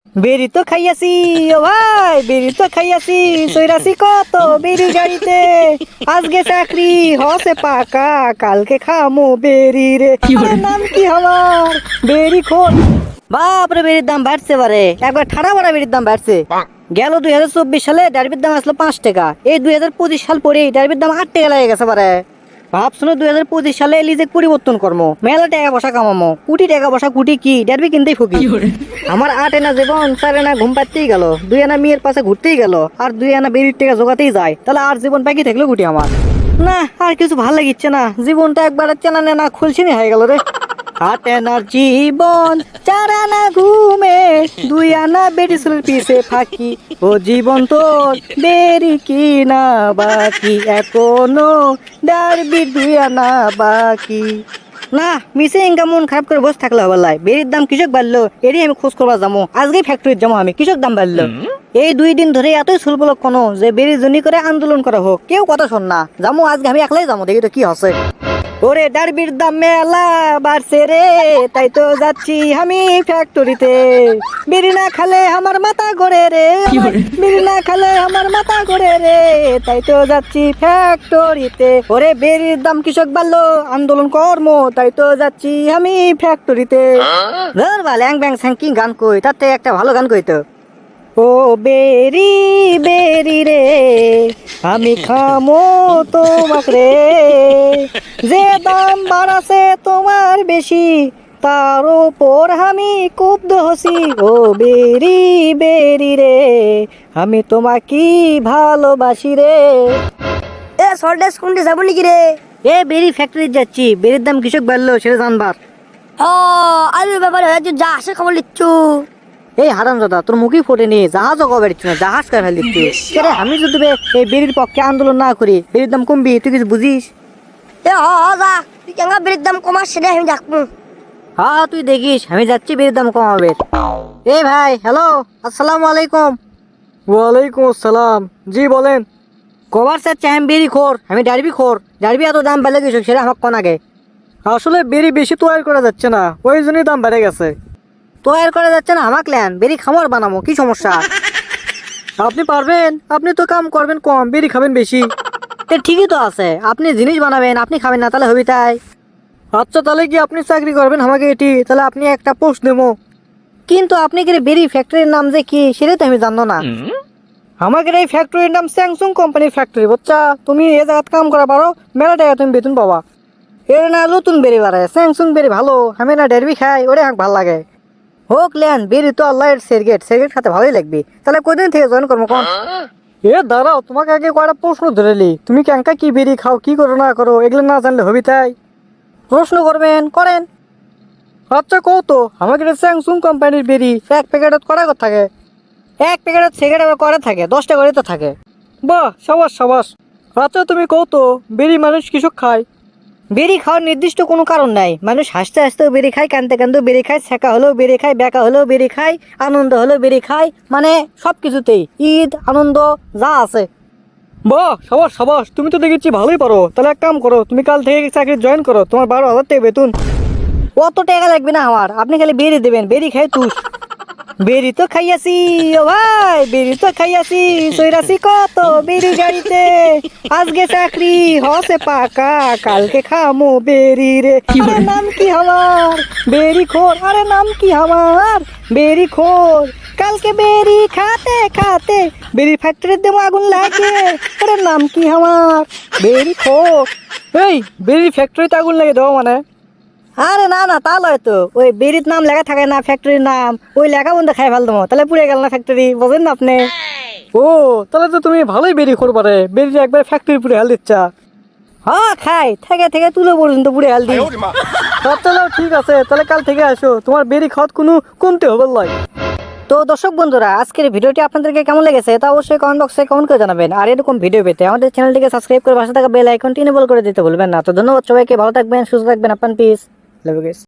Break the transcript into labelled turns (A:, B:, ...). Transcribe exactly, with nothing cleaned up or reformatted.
A: বেরি তো খাইয়াছি ও ভাই, বেরি তো খাইয়াছি, সইরাছি কত বেরি গাড়িতে। আজকে চাকরি হসে পাকা, কালকে খামো বেরি রে। আরে নাম কি আমার? বেরি খোর। বাপরে, বেরির দাম বাড়ছে বারে, একবার ঠাড়া বাড়া বেরির দাম বাড়ছে। গেল দুই হাজার চব্বিশ সালে ডারবির দাম আসলো পাঁচ টাকা, এই দুই হাজার পঁচিশ সাল পরে ডারবির দাম আট টাকা লেগে গেছে বারে। ভাবছিল দুই হাজার পঁচিশ সালে লিজে পরিবর্তন করবো, মেলা টাকা পয়সা কামামো, কোটি টাকা পয়সা কোটি কি ডারবি কিনতেই ফুকি। আমার আট এনা জীবন চার এনা ঘুম পাড়তেই গেল, দুই আনা মেয়ের পাশে ঘুরতেই গেল, আর দুই আনা বেরির টাকা জোগাতেই যায়, তাহলে আর জীবন বাকি থাকলো গুটি আমার। না আর কিছু ভালো লাগিচ্ছে না, জীবনটা একবার চেনা নেনা খুলছিনি হয়ে গেল রে। আট আনার জীবন, চার আনা ঘুমে, দুই আনা বেটি ছেলের পিছে ফাঁকি। ও জীবন তোর বেরি কি না বাকি, এখনো ডারবি দুই আনা বাকি। না মিসে ইনকাম মন খারাপ করে বসে থাকলে হবে লাই। বেরির দাম কৃষক বাড়লো, এরই আমি খোঁজ করবা যাবো, আজকেই ফ্যাক্টরিতে যাবো আমি। কৃষক দাম বাড়লো এই দুই দিন ধরে, এতই সুলবলক কোনো যে বেরির জন্য করে আন্দোলন করা হোক, কেউ কথা শোন না। যাবো আজকে আমি একলাই যাবো, দেখি তো কি হচ্ছে। ওরে ডারবির দাম মেলা বাড়ছে রে, তাই তো যাচ্ছি আমি ফ্যাক্টরিতে। বিড়ি না খালে আমার মাথা ঘোরে রে, বিড়ি না খালে আমার মাথা ঘোরে রে, তাই তো যাচ্ছি ফ্যাক্টরিতে। ওরে বেরির দাম কৃষক বাড়লো, আন্দোলন কর্ম, তাই তো যাচ্ছি আমি ফ্যাক্টরিতে। ধর বা ল্যাং ব্যাং স্যাং কি গান কই, তার থেকে একটা ভালো গান কই তো। ও বেরি বেরি রে, আমি খামো তোমাক রে, যে দাম বাড়াছে তোমার বেশি, তার উপর আমি কুব্ধ হসি। ও বেরি বেরি রে, আমি তোমাকে ভালোবাসি রে।
B: এ সল্টেস কোনটি যাবো নাকি রে?
A: এ বেরি ফ্যাক্টরি যাচ্ছি, বেরির দাম কৃষক বাড়লো সেটা জানবার।
B: ও আলুর ব্যাপারে হয়তো যা আসে খবর লিচ্ছু।
A: এই হারাম দাদা, তোর মুখই ফোটেনি, জাহাজও কবে দিচ্ছি না, জাহাজ কবে ফেল দিচ্ছি। সেটা আমি যদি বে এই বেরির পক্ষে আন্দোলন না করি, বেরির দাম কমবি, তুই কিছু বুঝিস?
B: এ হ হ যা, তুই কেন বেরির দাম কমাস সেটা আমি দেখবো।
A: হ্যাঁ তুই দেখিস, আমি যাচ্ছি বেরির দাম কমাবে। এই ভাই, হ্যালো, আসসালামু আলাইকুম। ওয়ালাইকুম আসসালাম, জি বলেন। কবার চাচ্ছি আমি বেরি খোর, আমি ডারবি খোর, ডারবি এত দাম বেড়ে গেছে সেটা আমাকে কোন আগে। আসলে বেরি বেশি তৈরি করা যাচ্ছে না, ওই জন্যই দাম বেড়ে গেছে। তৈরি করা যাচ্ছে না আমাকে লেন, বেরি খামার বানাবো, কি সমস্যা? আপনি পারবেন, আপনি তো কাম করবেন কম, বেরি খাবেন বেশি। এ ঠিকই তো আছে, আপনি জিনিস বানাবেন, আপনি খাবেন না, তাহলে হবি তাই। আচ্ছা তাহলে কি আপনি চাকরি করবেন আমাকে এটি, তাহলে আপনি একটা পোস্ট দেবো। কিন্তু আপনি কি বেরি ফ্যাক্টরির নাম যে কি সেটা তো আমি জানো না। আমাদের এই ফ্যাক্টরির নাম স্যামসুং কোম্পানির ফ্যাক্টরি, বাচ্চা তুমি এ জায়গায় কাম করা পারো, মেলা টাকা তুমি বেতন পাবা। এর না নতুন বেরি বাড়ে, স্যামসুং বেরি ভালো, আমি না ডেরবি খাই, ওরে আমার ভালো লাগে। হোক লেন, বেরি তো আল্লাহ সেরগেট, সেরগেট খাতে ভালোই লাগবে। তাহলে কদিন থেকে জয়েন করবো কোন? এ দাঁড়াও, তোমাকে আগে কয়টা প্রশ্ন ধরেলি, তুমি ক্যাঙ্কা কি বেরি খাও, কি করো না করো, এগুলো না জানলে হবি তাই। প্রশ্ন করবেন করেন। আচ্ছা কও তো, আমাকে স্যামসুং কোম্পানির বেরি এক প্যাকেটত কটা করে থাকে? এক প্যাকেটত সিগারেট আবার করে থাকে, দশটা করে তো থাকে। বাহ সাবাস সাবাস। আচ্ছা তুমি কও তো, বেরি মানুষ কৃষক খায়? বেরি খাওয়ার নির্দিষ্ট কোনো কারণ নাই, মানুষ হাসতে হাসতেও বেরি খায়, কানতে কানতেও বেরি খায়, ছেঁকা হলেও বেরি খায়, বেকা হলেও বেরি খায়, আনন্দ হলেও বেরি খায়, মানে সব কিছুতেই ঈদ আনন্দ যা আছে। বাহ সাবাস সাবাস, তুমি তো দেখেছি ভালোই পারো। তাহলে এক কাম করো, তুমি কাল থেকে চাকরি জয়েন করো, তোমার বারো হাজার টাকা বেতন। অত টাকা লাগবে না আমার, আপনি খালি বেরি দেবেন, বেরি খাই তুস। বেরি তো খাইয়াছি ও ভাই, বেরি তো খাইয়াছি, সইরাছি কত বেরি গাড়িতে। আজকে চাকরি হসে পাকা, কালকে খামো বেরি রে। আরে নাম কি আমার? বেরি খোর। আরে নাম কি আমার? বেরি খোর। কালকে বেরি খাতে খাতে বেরি ফ্যাক্টরির দেবো আগুন লাগে। আরে নাম কি আমার? বেরি খোর। এই বেরি ফ্যাক্টরিতে আগুন লাগে দেবো মানে? আরে না না তা লয় তো, ওই বেরির নাম লেখা থাকে না ফ্যাক্টরির নাম, ওই লেখা বন্ধ খাই ফেল দেবো, তাহলে পুড়ে গেল না ফ্যাক্টরি, বোঝেন না আপনি? ও তাহলে তো তুমি ভালোই বেরি করবারে, বেরি একবার ফ্যাক্টরি পুড়ে হেল দিচ্ছা। হ্যাঁ খাই, থেকে থেকে তুলো পর্যন্ত পুড়ে হেল দিই। চলো ঠিক আছে, তাহলে কাল থেকে আসো, তোমার বেরি খাওয়াত কোনো কমতে হবে লয়। তো দর্শক বন্ধুরা, আজকের ভিডিওটি আপনাদেরকে কেমন লেগেছে তা অবশ্যই কমেন্ট বক্সে কমেন্ট করে জানাবেন। আর এরকম ভিডিও পেতে আমাদের চ্যানেলটিকে সাবস্ক্রাইব করে পাশে থাকা বেল আইকনটি এনেবল করে দিতে ভুলবেন না। তো ধন্যবাদ সবাইকে, ভালো থাকবেন, সুস্থ থাকবেন, আপনার পিস লাভ ইউ গাইস।